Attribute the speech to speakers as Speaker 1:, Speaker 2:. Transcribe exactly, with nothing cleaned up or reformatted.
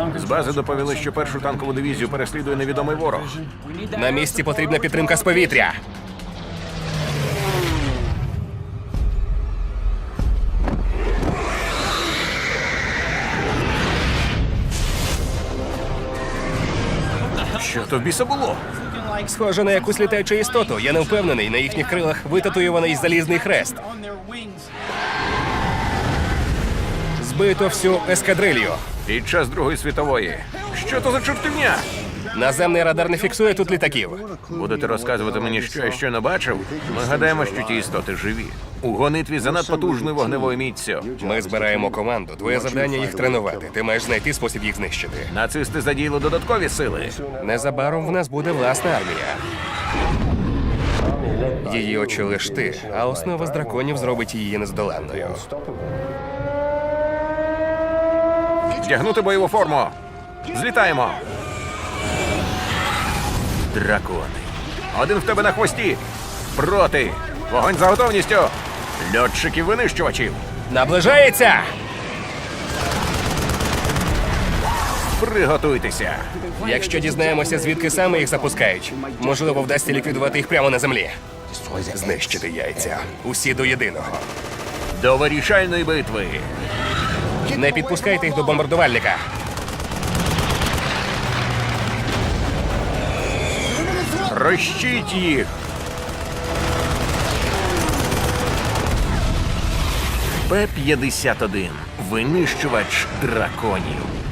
Speaker 1: З бази доповіли, що першу танкову дивізію переслідує невідомий ворог.
Speaker 2: На місці потрібна підтримка з повітря.
Speaker 1: Що то в біса було?
Speaker 2: Схоже на якусь літаючу істоту. Я не впевнений, на їхніх крилах витатуйований залізний хрест. Збито всю ескадрилью.
Speaker 1: Під час Другої світової. Що то за чортівня?
Speaker 2: Наземний радар не фіксує тут літаків.
Speaker 1: Будете розказувати мені, що я щойно бачив? Ми гадаємо, що ті істоти живі. У гонитві за надпотужною вогневою міццю.
Speaker 2: Ми збираємо команду. Твоє завдання їх тренувати. Ти маєш знайти спосіб їх знищити.
Speaker 1: Нацисти задіяли додаткові сили.
Speaker 2: Незабаром в нас буде власна армія. Її очолиш ти, а основа з драконів зробить її нездоланною.
Speaker 1: Вдягнути бойову форму. Злітаємо. Дракони. Один в тебе на хвості. Проти. Вогонь за готовністю. Льотчиків-винищувачів.
Speaker 2: Наближається!
Speaker 1: Приготуйтеся.
Speaker 2: Якщо дізнаємося, звідки саме їх запускають, можливо, вдасться ліквідувати їх прямо на землі. Знищити яйця. Усі до єдиного.
Speaker 1: До вирішальної битви.
Speaker 2: Не підпускайте їх до бомбардувальника.
Speaker 1: Розчіть їх. Пе п'ятдесят один. Винищувач драконів.